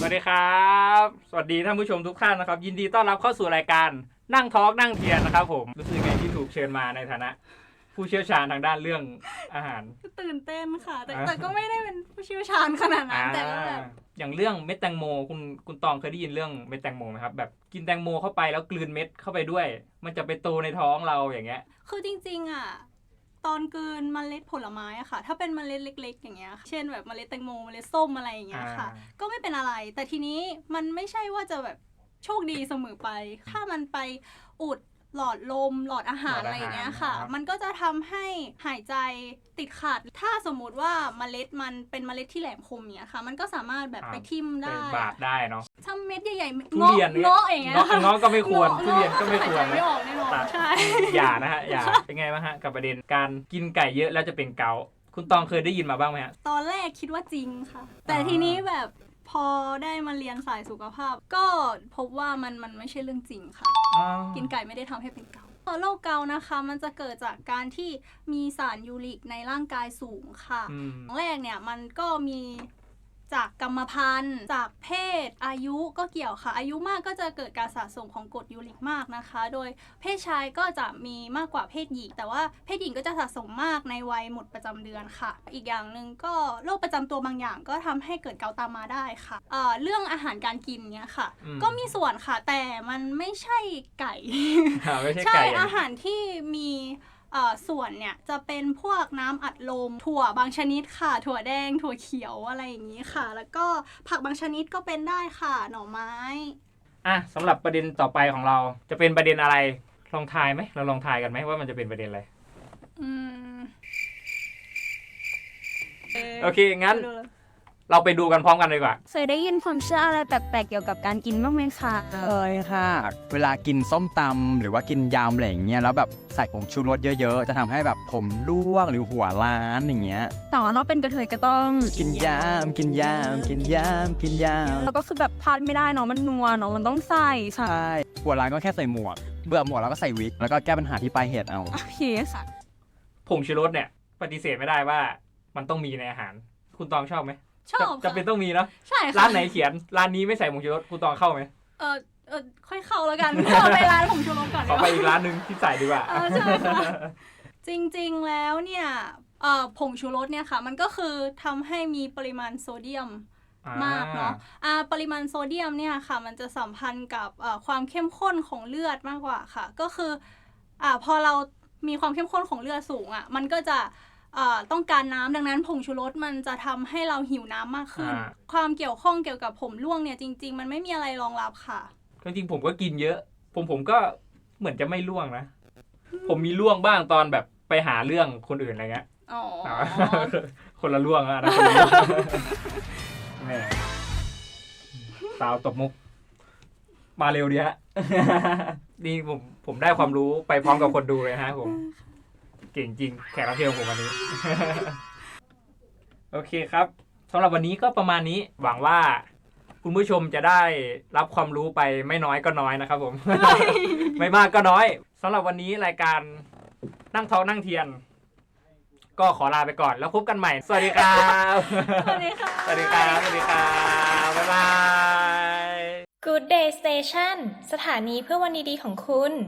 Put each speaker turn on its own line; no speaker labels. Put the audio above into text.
วัสดีครับสวัสดีท่านผู้ชมทุกท่านนะครับยินดีต้อนรับเข้าสู่รายการนั่งทอล์กนั่งเทียนนะครับผมรู้สึกไงที่ถูกเชิญมาในฐานะผู้เชี่ยวชาญทางด้านเรื่องอาหาร
ตื่นเต้นค่ะแต่ก็ไม่ได้เป็นผู้เชี่ยวชาญขนาดนั้นแต่ก็แบบ
อย่างเรื่องเม็ดแตงโมคุณตองเคยได้ยินเรื่องเม็ดแตงโมไหมครับแบบกินแตงโมเข้าไปแล้วกลืนเม็ดเข้าไปด้วยมันจะไปโตในท้องเราอย่างเงี้ย
คือจริงๆอ่ะตอนกลืนเมล็ดผลไม้อะค่ะถ้าเป็นเมล็ดเล็กๆอย่างเงี้ยเช่นแบบเมล็ดแตงโมเมล็ดส้มอะไรอย่างเงี้ยค่ะก็ไม่เป็นอะไรแต่ทีนี้มันไม่ใช่ว่าจะแบบโชคดีเสมอไปถ้ามันไปอุดหลอดลมหลอดอาหารอะไรอย่างเงี้ยค่ะมันก็จะทำให้หายใจติดขัดถ้าสมมุติว่าเมล็ดมันเป็นเมล็ดที่แหลมคมเนี้ยค่ะมันก็สามารถแบบไปทิ่มได้
บาดได้เนาะ
ถ้าเม็ดใหญ่ๆ
ทุเรียน
เงาะอย่างเงี้ย
เงาะก็ไม่ควรทุเรียนก็ไม่ควร
ไม่ออกแน่นอนใช่
อย่านะฮะอย่าเป็นไงบ้างฮะกับประเด็นการกินไก่เยอะแล้วจะเป็นเกาต์คุณตองเคยได้ยินมาบ้างไหมฮะ
ตอนแรกคิดว่าจริงค่ะแต่ทีนี้แบบพอได้มาเรียนสายสุขภาพก็พบว่ามันไม่ใช่เรื่องจริงค่ะกินไก่ไม่ได้ทำให้เป็นเกาต์โรคเกาต์นะคะมันจะเกิดจากการที่มีสารยูริกในร่างกายสูงค่ะแรกเนี่ยมันก็มีจากกรรมพันธุ์จากเพศอายุก็เกี่ยวค่ะอายุมากก็จะเกิดการสะสมของกรดยูริกมากนะคะโดยเพศชายก็จะมีมากกว่าเพศหญิงแต่ว่าเพศหญิงก็จะสะสมมากในวัยหมดประจำเดือนค่ะอีกอย่างหนึ่งก็โรคประจำตัวบางอย่างก็ทำให้เกิดเกาต์ตามมาได้ค่ะเรื่องอาหารการกินเนี้ยค่ะก็มีส่วนค่ะแต่มันไม่ใช่ไก่ ใช่อาหารที่มีส่วนเนี่ยจะเป็นพวกน้ำอัดลมถั่วบางชนิดค่ะถั่วแดงถั่วเขียวอะไรอย่างนี้ค่ะแล้วก็ผักบางชนิดก็เป็นได้ค่ะหน่อไม้
สำหรับประเด็นต่อไปของเราจะเป็นประเด็นอะไรลองทายไหมเราลองทายกันไหมว่ามันจะเป็นประเด็นอะไรโอเคงั้นเราไปดูกันพร้อมกันเลยดีกว่า
เคยได้ยินความเชื่ออะไรแปลกๆเกี่ยวกับการกินบ้างไหมคะ
เคยค่ะเวลากินส้มตำหรือว่ากินยำอะไรอย่างเงี้ยแล้วแบบใส่ผงชูรสเยอะๆจะทำให้แบบผมร่วงหรือหัวล้านอย่างเงี้ย
แต่ว่าเราเป็นกระเทยก็ต้อง
กินยำกินยำกินยำกินยำ
แล้วก็คือแบบพลาดไม่ได้เนาะมันนัวเนาะมันต้องใส่
ใช่หัวล้านก็แค่ใส่หมวกเบื่อหมวกแล้วก็ใส่วิกแล้วก็แก้ปัญหาที่ปลายเหตุเอา
โอเคค่ะ
ผงชูรสเนี่ยปฏิเสธไม่ได้ว่ามันต้องมีในอาหารคุณตองชอบไหม
ชอบ
จะเป็นต้องมีเนาะ
ใช่ค่ะ
ร้านไหนเขียนร้านนี้ไม่ใส่ผงชูรสคุณตองเข้าไหม
ค่อยเข้าแล้วกันเข้าไปร้านผงชูรสก่อน
ขอไปอีกร้านนึงที่ใส่ดีกว่า
ใช่ค่ะจริงๆแล้วเนี่ยผงชูรสเนี่ยค่ะมันก็คือทำให้มีปริมาณโซเดียมมากเนาะปริมาณโซเดียมเนี่ยค่ะมันจะสัมพันธ์กับความเข้มข้นของเลือดมากกว่าค่ะก็คือพอเรามีความเข้มข้นของเลือดสูงมันก็จะต้องการน้ำดังนั้นผงชูรสมันจะทำให้เราหิวน้ำมากขึ้นความเกี่ยวข้องเกี่ยวกับผมร่วงเนี่ยจริงๆมันไม่มีอะไรรองรับค่ะ
จริงๆผมก็กินเยอะผมก็เหมือนจะไม่ร่วงนะผมมีร่วงบ้างตอนแบบไปหาเรื่องคนอื่นอะไรเงี้ยคนละร่วงนะแม่สาวตบมุกมาเร็วดีฮะนี่ผมได้ความรู้ไปพร้อมกับคนดูเลยฮะผมเก่งจริงแขกรับเชิญผมวันนี้ โอเคครับสำหรับวันนี้ก็ประมาณนี้หวังว่าคุณผู้ชมจะได้รับความรู้ไปไม่น้อยก็น้อยนะครับผม ไม่มากก็น้อยสำหรับวันนี้รายการนั่งท้องนั่งเทียนก็ขอลาไปก่อนแล้วพบกันใหม่สวัสดีครับ
สวัสดีค่ะ
สวัสดีครับสวัสดีครับบ๊ายบาย
Good Day Station สถานีเพื่อวันดีๆของคุณ